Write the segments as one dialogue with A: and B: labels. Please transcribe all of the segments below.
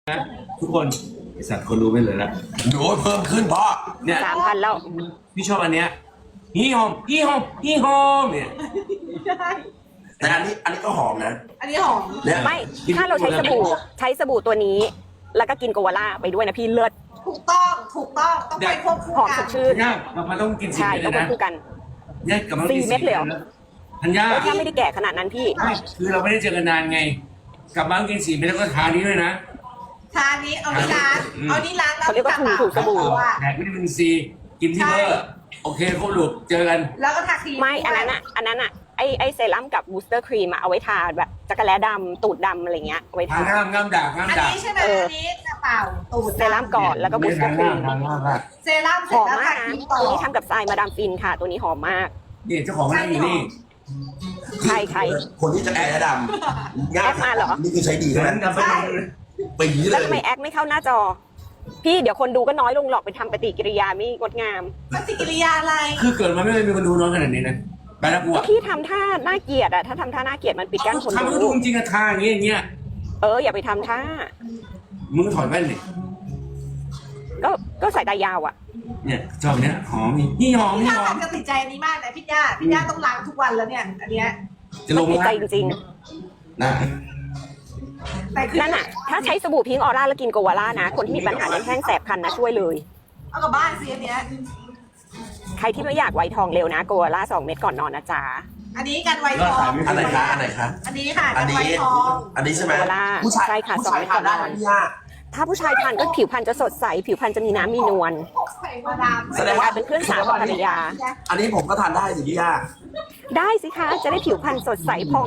A: นะทุกคนไอสัตว์คนรู้ไม่เลยละ
B: ดูเพิ่มขึ้นพ่อ
A: เนี่ย
C: 3,000แล้ว
A: พี่ชอบอันเนี้ยฮีหอมฮีหอมฮีหอมเนี่ย
B: แต่อันนี้ก็หอมนะ
D: อันนี้หอม
B: เนี่ย
C: ไม่ถ้าเราใช้สบู่ตัวนี้ แล้วก็กินโกวาล่าไปด้วยนะพี่เลิศ
D: ถูกต้องต้องไปควบคู่
C: หอม
D: กั
C: ส
D: น
C: ดชื่น
A: เนี่ยมันต้องกินสี่
C: ใช่
A: เม็ด
C: ต้
A: เล
C: อง
A: ย
C: คว
A: นะ
C: บคู่กัน
A: เนี่ยกับมันกิน
C: 4 เม็ดเลยเหรอ
A: ธัญญา
C: ถ้าไม่ได้แก่ขนาดนั้นพี่
A: ไม่คือเราไม่ได้เจอกันนานไง กลับมากิน4 เม็ดแล้วก็ทานี้ด้วยนะ
D: ทานนี้เอานี่ล้างเอานี่ล้างแล้ว
C: เขาเรียกว่าถูสบู่
A: แดกวิตามินซีกินที่เบอร์โอเคครบลูกเจอกัน
D: แล้วก็ทาครีม
C: ไม่อันนั้นอะไอเซรั่มกับบูสเตอร์ครีมเอาไว้ทาแบบจักรแล้ดำตูดดำอะไรเงี้ยเอาไว้
A: ทา
C: ทา
A: ง่ามด่างง่าม
D: อัน
A: ด่าง
D: นี้ใช่ไหมอันนี้กระเป๋าตูด
C: เซรั่มก่อนแล้วก็บูสเตอร์ครีม
A: ทาง่าม
D: เซรั่มเส
C: ห
D: ร็จ
C: อม
D: แล้ว
C: มาก
D: ทา
C: นะ
D: ครีมต่อ
C: ตัวนี้ทำกับทรายมาดามฟินค่ะ ตัวนี้หอมมาก
A: นี่เจ้าของร้านอยู่นี่
C: ใคร
B: คนที่จะแอดำ
C: แอดมาเหรอ
B: นี่คือใช้ดี
A: เหมื
B: ใช่
A: อ
B: ไหม
A: นกับไป
B: ปีเล
C: แล้ว
B: ย
C: ทำไมแอคไม่เข้าหน้าจอ พี่เดี๋ยวคนดูก็น้อยลงหรอกไปทำปฏิกิริยาไม่งดงาม
D: ปฏิกิริยาอะไร
A: คือเกิดมาไม่เคยมีคนดูน้อยขนาดนี้นะไปแล้วกู
C: ก็
A: อ่ะ
C: พี่ทำท่าน่าเกลียดอะถ้าทำท่าน่าเกลียดมันปิดกั้นคน
A: ทำให้ดู
C: ดู
A: จริงๆอะทาอย่างเงี้ย
C: อย่าไปทำท่า
A: มึงถอดแว่นดิ
C: ก็สายตายาวอะ
A: เนี่ยชอบเนี้ยหอมนี่หอม
D: พี่
A: นี่
D: ย่า
A: หอม
D: จะติดใจอันนี้มากนะพี่ย่าต้องล้างทุกวันแล้วเนี่ย อันเนี้ย
A: จะลง
C: ติดใจ
A: นะ
C: จริง
A: นะ
D: แต่คือ
C: ๆนั่นอะถ้าใช้สบู่พิงค์ออร่าแล้วกินโกวาล่านะ คนที่มีปัญหาเรื่องแห้งแสบคันนะช่วยเลย
D: เอากลับบ้านสิอันเนี้ย
C: ใครที่ไม่อยากไวทองเร็วนะโกวาล่า2 เม็ดก่อนนอนนะจ๊ะ
D: อันนี้กันไวทอง
B: อันไหนคะอันไหนคะ
D: อันนี้ค่ะ
B: อั
D: กัน น
B: นี้
D: ไวทอง
B: อันนี้ใช่ไหม
C: โกวาล่า
B: ผู้ชาย
C: ใช่ค่ะ
B: ผู้
C: 2
B: ชาย
C: เม็ด
B: ทา
C: ก่อน
B: น
C: น
B: ได้
C: อน
B: ไหมพี่ย่า
C: ถ้าผู้ชายทานก็ผิวพรรณจะสดใสผิวพรรณจะมีน้ำมีนวล
D: ใส่มาดาม
B: แสดงว่า
C: เป็นเครื่องสาวของภรรยา
B: อันนี้ผมก็ทานได้สิพี่ย่า
C: ได้สิคะจะได้ผิวพรรณสดใสผ่อง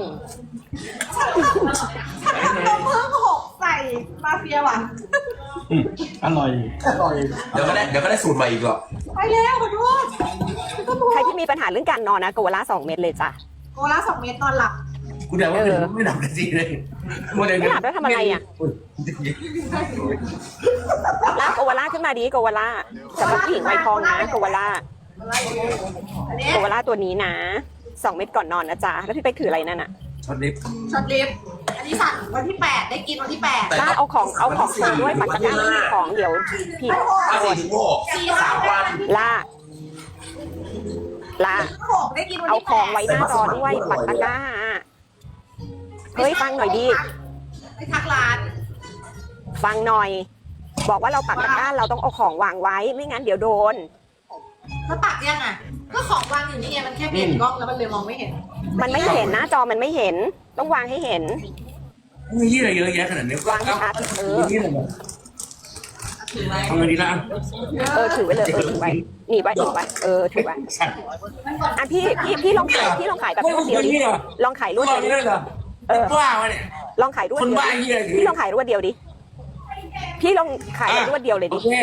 D: ต้องเพิ่ม6ใส่มาเฟียว่ะ
A: อร่อย
B: เดี๋ยวก็ได้สูตรใหม่อีกหรอก
D: ไปแล้วขอโทษ
C: ใครที่มีปัญหาเรื่องการนอนนะโกวาล่า2 เม็ดเลยจ้ะ
D: โกละ2 เม็ดนอนหลับ
A: กูแต่ว่าไม่ดับกันสิเลย
C: ไม่หลับแล้วทำอะไรอ่ะ ลากโกวาล่าขึ้นมาดีโกวาล่าสำหรับผู้หญิงไวทองนะโกวาล่า
D: อันนี้
C: โกวาล่าตัวนี้นะ2 เม็ดก่อนนอนนะจ๊ะแล้วพี่เป๊กถืออะไรนั่นอ่ะ
A: ช็อตลิฟต์
D: ช็อตลิฟต์อันนี้สั่งวันที่ 8 ได้กินวันที่ 8
C: ล่าเอาของมาด้วยปักตะกร้าไม่มีของเดี๋ยวพี่
B: 4 ถึง 6 3 วัน
C: ล่า
D: 6ได้กินวัน
C: เอา
D: ที่
C: ของไว้หน้าจอด้วยปักตะกร้าเฮ้ยฟังหน่อยดิ
D: ไปทักร้าน
C: ฟังหน่อย บอกว่าเราปักตะกร้าเราต้องเอาของวางไว้ไม่งั้นเดี๋ยวโดน
D: แล้วปักยังอ่ะก็ของวางอยู่นี่ไงมันแค่เปลี่ยนกล้องแล้วมันเลยมองไม่เห็น
C: มันไม่เห็นหน้าจอมันไม่เห็น ต้องวางให้เห็น
A: มียี่อะไรเยอะแยะขนาดนี้
C: วางให้ชัด
A: นี่อะไร
D: ถือไว้
A: ทำไงดีล่ะ
C: ถือไว้เลยถือไว้หนีไว้ถือไว้ถือไว้อ่ะพี่ลองขายแบบรวดเดียวดิลองขายรวด
A: บ้า
C: เดียวดิ
A: เนี่ยเหรอบ้าวะเนี่ย
C: ลองขายรวด
A: คน
C: เดียว
A: บ้า
C: ดิ
A: เหี้ย
C: พี่ลองขายรวดเดียวดิพี่ลองขายรวดเดียวเลย
A: โอ
C: ดิ
A: เค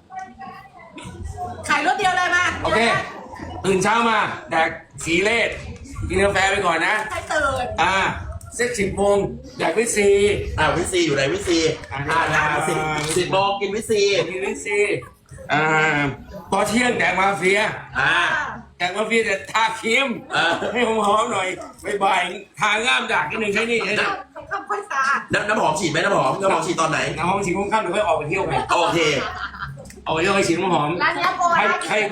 D: ขายรถเดียวเลยมา
A: โอเคตื่นเช้ามาแดกสีเลดกินกาแฟไปก่อนนะ
D: ให้ตื่น
A: เซ็ต10 โมงแดกวิซี
B: วิซีอยู่ไหนวิซี10 โมงกินวิซี
A: กินวิซีพอเที่ยงแดกมาเฟีย แดกมาเฟียแต่ทาครีมให้หอมๆหน่อยบ่ายๆทาง่ามดักนิดนึงใช่นี่
D: คำค่อยสะอาด
B: น้ำหอมฉีดไหมน้ำหอมฉีดตอนไหน
A: น้ำหอมฉีดค่ำๆเดี๋ยวค่อยออกไปเที่ยวกัน
B: โอเค
A: เอาไปเที่ยวไปฉีดน้ำหอม
D: ร้านนี้โปร
A: ใคร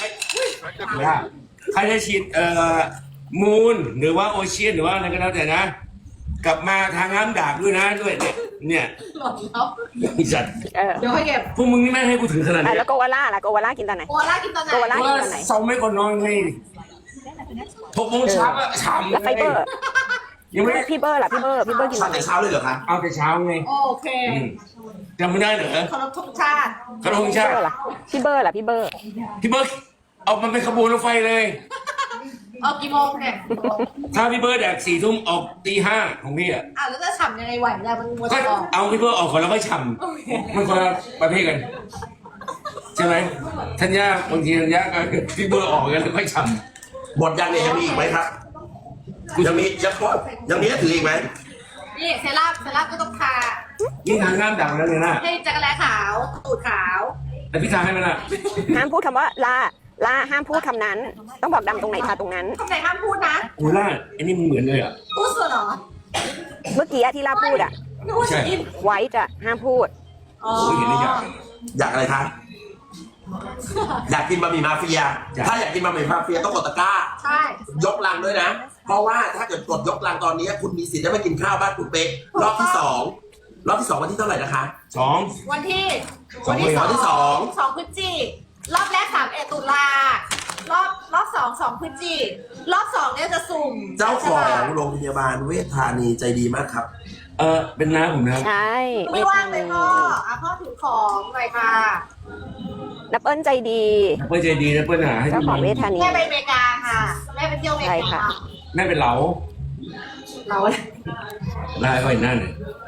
A: จะฉีดมูนหรือว่าโอเชียนหรือว่าอะไรก็แล้วแต่นะ กลับมาทางน้ำดาบด้วยนะด้วยเนี่ย
D: หล่นแล้ว
A: ไอ้สัตว์
D: เดี๋ยวค่อยเก็บ
A: พวกมึงนี่ไม่ให้กูถือขนาดนี้
C: แล้วโกวาล่าล่ะโกวาล่ากินตอนไหน
D: โกล่ากินตอนไหน
C: โกวาล่า
A: ว่าเสาไม่ก่อนนอนไง6 โมงเช้าอะฉ่ำ
C: แล้วไฟเบอร์
A: ยังไม่
C: พี่เบอร์ล่ะพี่เบอร์กินต
B: ทา
C: อน นไหน
B: แต่เช้าเลยเหรอคะ
A: เอาแต่เช้าไง
D: โอเค
A: จำไม่ได้เหรอ
D: เคารพธงชาติ
A: กระทงชาติ
C: พี่เบอร์ล่ะพี่เบอร์
A: พี่เบิร์ดเอามันเป็นขบวนรถไฟเลย
D: ออกกี่โมงเนี่ย
A: ถ้าพี่เบิร์ดแดก4 ทุ่มออกตี 5ของพี่อ่ะ
D: แล้วจะฉ่ำยังไงไหวเนี่ยมันมัว
A: ก็
D: จะออก
A: เอาพี่เบิร์ดออกก่อนแล้วค่อยฉ่ำมันคนละประเภทกันใช่ไหมธัญญาบางทีธัญญาก็พี่เบิร์ดออกกันแล้วค่อยฉ่
B: หมดยังเนี่ยยังมีอีกไหมครับยังมีให้ถืออีกไหม
D: นี่เซรั่มก็ต้องทา
A: ำนี่ทางน้ำดังแล้วเนี่ยนะ
D: ให้จักรแลขาวตูดขาว
A: แต่พี่ทาให้มันละ
C: ห้ามพูดคำว่าล่าห้ามพูดคำนั้น ต้องบอกดำตรงไหนทาตรงนั้น
D: คำไหนห้ามพูดนะ
A: โอ้ล่าอันนี้มันเหมือนเลยอ่ะ
D: พูดส่วนเหรอ
C: เมื่อกี้ที่ล่าพูดอ่ะ
D: นึกว่าจะกิน
C: ไว้จะห้ามพูด
D: อ๋อ
A: โอ้ยเห็นได้อยาก
B: อยากอะไรคะอยากกินบะหมี่มาเฟีย ถ้าอยากกินบะหมี่มาเฟียต้องกดตะกร้า
D: ใช่
B: ยกลังด้วยนะ เพราะว่าถ้าเกิดกดยกลังตอนนี้คุณมีสิทธิ์ได้ไปกินข้าวบ้านคุณเป๊กรอบที่สองวันที่เท่าไหร่นะคะ
A: สอง
D: วันที่
B: วันที่สอง
D: 2 พฤศจิกรอบแรก31 ตุลารอบ2 พฤศจิรอบ 2เนี่ยจะสุ่ม
B: เจ้าของโรงพยาบาลเวชธานีใจดีมากครับ
A: เป็นน้าผมนะ
C: ใช่
D: ไม่ว่างเลยพ่อพ่อถือของหน่อยค่ะ
C: นับเอิญใจดี
A: เพื่อนใจดีนะเพื่อนหาให้
C: เจ้าของเวทธานี
D: แม่ไปอเมริกาค่ะแม่ไปเที่ยวอเมริ
C: ใช่
D: กา
C: ค่ะ
A: แม่เป็นเหลา
D: เรา
A: ลายก็เห็นหน้าเนี่ย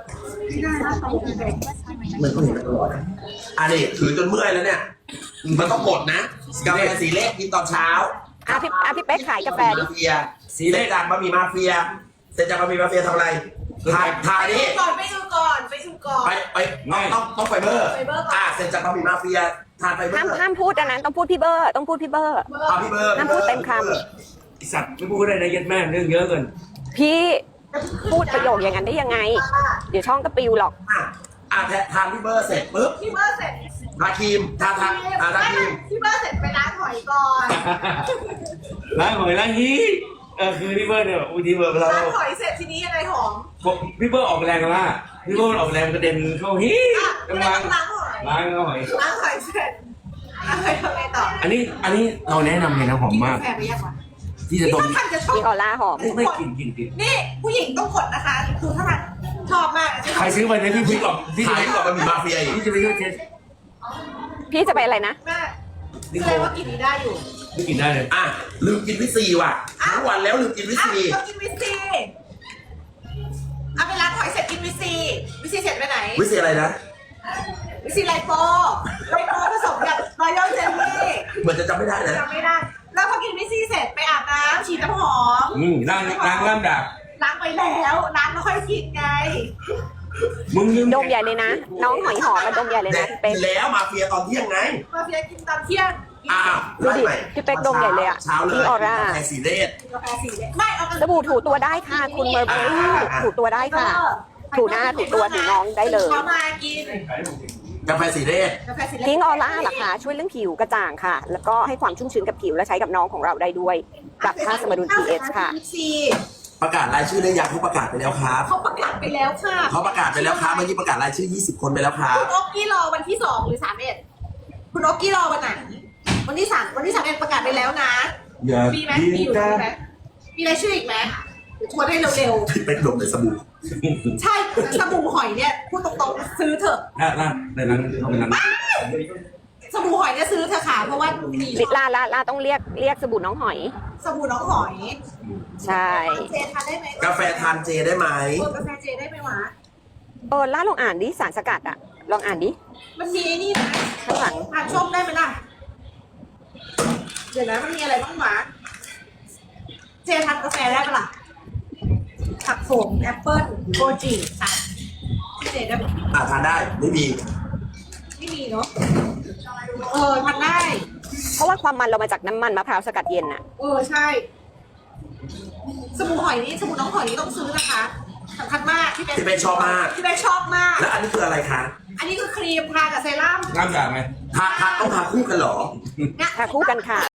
B: มันก็เห็นมาตลอดนะอันนี้ถือจนเมื่อยแล้วเนี่ย มันต้องกดนะกาแฟสีเลขกินตอนเช้า
C: พี่เป๊กขายกาแฟดิ
B: มาเฟียสีเลขจากบะหมี่มาเฟียเสร็จจากบะหมี่มาเฟียทำอะไรถ่ายนี่
D: ไปดูก่อน
B: ไปต้องไฟเบอร์เสร็จจากบะหมี่มาเฟียทานไฟเบอร์
C: ห้ามพูดอันนั้นต้องพูดพี่เบอร์ต้องพูดพี่เบอร์
B: พี่เบอร์
C: ห้ามพูดเต็มค
A: ไอสัตว์ไม่พูดได้นะยัดแม่เรื่องเยอะเกิน
C: พี่พูดประโยคอย่างนั้นได้ยังไง เดี๋ยวช่องก็ปิวหรอก
B: ทานพี่เบอร์เสร็จปุ๊บ
D: พี่เบอร์เสร็จ
B: ทาครีมทาครีม
D: พี่เบอร์เสร็จไปล้างหอยก่อน
A: ล้างหอยล้างฮีคือพี่เบิร์ดเนี่ยอุ้ยพี่เบิร์ดเรา
D: ล้างหอยเสร็จทีนี้อะไรหอม
A: พี่เบิร์ดออกแรงกันละพี่เบิร์ดออกแรงกระเด็นเข้าฮี
D: ก็
A: กำ
D: เลย
A: ลัง
D: ต้องล้างหอย
A: ล้างหอย
D: ล้างหอยเสร็จล้างหอยทำไงต่อ
A: อันนี้เราแนะนำเลยนะหอมมาก
D: แฟนไปยังวะ
A: ที่จะดม
D: ท่านจะชอ
C: มี
D: บ
C: ออร่าหอม
A: ไม่กลิ่นติด
D: นี่ผู้หญิงต้องกดนะคะคือถ้าท่านชอบมาก
A: ใครซื้อไปเนี่ยพี่ก่อนพี่
B: ถ่าย
A: จะ
B: ก่อนบะหมี่มาเฟียอีก
A: พี่จะไปช่วยเทส
C: พี่จะไปอะไรนะ
D: แม่แสดงว่ากินนี้ได้อยู่
A: ไม่กินได้เลย
B: ลืมกินวิซีว่ะทั้งวันแล้วลืมกินวิซี
D: ต้องกินวิซีเอาไปล้างหอยเสร็จกินวิซีเสร็จไปไหน
B: วิซีอะไรนะ
D: วิซีไลโปผสมกับรอยัลเจลลี่
B: เหมือนจะจำไม่ได้นะ
D: จำไม่ได้ แล้วพอกินวิซีเสร็จไปอาบน้ำฉีดน้ำหอม
A: ล้างล่ามดาบ
D: ล้างไปแล้วล้างแล้วค่อยกินไง
A: มึงลืม
C: ดมใหญ่เลยนะ น้องหอยหอมมาดมใหญ่เลย
B: แด
C: นะ
B: ก
C: พี่เป๊ก
B: แล้วมาเฟียตอนเที่ยงไง
D: มาเฟียกินตอนเที่ยง
C: ดูดิพี่เป๊กดมใหญ่เลยอะ
B: เช้าเลย
C: พี่ออร่า
B: แค่สีเลส
D: กาแฟสีเลยไม่เอาไป
C: สบู่ถูตัวได้ค่ะ คุณเมอร์เบอรี่ถูตัวได้ค่ะ ถูหน้าถูตัวถูน้องได้เลย
D: เขามากิน
B: กาแฟสีเลส
D: กาแฟสี
C: พิงออร่าเหรอคะช่วยเรื่องผิวกระจ่างค่ะ แล้วก็ให้ความชุ่มชื้นกับผิวและใช้กับน้องของเราได้ด้วยปรับค่าสมดุล pH ค่ะ
B: ประกาศรายชื่อได้ยังเขาประกาศไปแล้วครับ
D: เขาประกาศไปแล้วค่ะ
B: เขาประกาศไปแล้วครับเมื่อกี้ประกาศรายชื่อ 20 คนไปแล้วครับ
D: คุณโอ๊กกี้รอวันที่2หรือ31คุณโอ๊กกี้รอวันไหนวันที่31ประกาศไปแล้วนะ
A: อย่า
D: มีไหม
A: กิน
D: มีอยู่
A: กั
D: ใช่
A: น
D: ไหมมีรายชื่ออีกไหมเดี๋ยวทวนให้เร็ว
B: พี่เป๊กดมในสบู่
D: ๆ ใช่สบู่หอยเนี่ยพูดตรงๆซื้อเถอะ
A: ล่าในนั้นเขาเป็นนั้น
D: สบู่หอยเนี่ยซื้อเถอะค่ะเพราะว่ามี
C: ลาต้องเรียกสบู่น้องหอย
D: สบู่น้องหอย
C: ใช่
D: เจทานได้ไหม
B: กาแฟทานเจได้ไหม
D: กาแฟเจได้ไหมวะ
C: ล่าลองอ่านดิสารสกัดอะลองอ่านดิ
D: มันมีไอ้นี่นะ
C: ข้างหลัง
D: อ่านชมได้ไหมล่ะเดี๋ยวนะมันมีอะไรบ้างวะเจทานกาแฟได้ปะล่ะผักโขมแอปเปิ้ลโกจิค่ะพี่เจได้ปะ
B: ทานได้ไม่มี
D: ไม่มีเนาะทานได้
C: เพราะว่าความมันเรามาจากน้ำมันมะพร้าวสกัดเย็นอะ
D: ใช่สบู่หอยนี้สบู่น้องหอยนี้ต้องซื้อนะคะสำคัญมากที่
B: ที่เป๊กชอบมาก
D: ที่เป็นชอบมาก
B: แล้วอันนี้คืออะไรคะ
D: อันนี้คือครีมทากับเซรั่ม
A: ล่ามดาบไหม
B: ทาต้องทาคู่กันเหรอ
C: ทาคู่กันค่ะ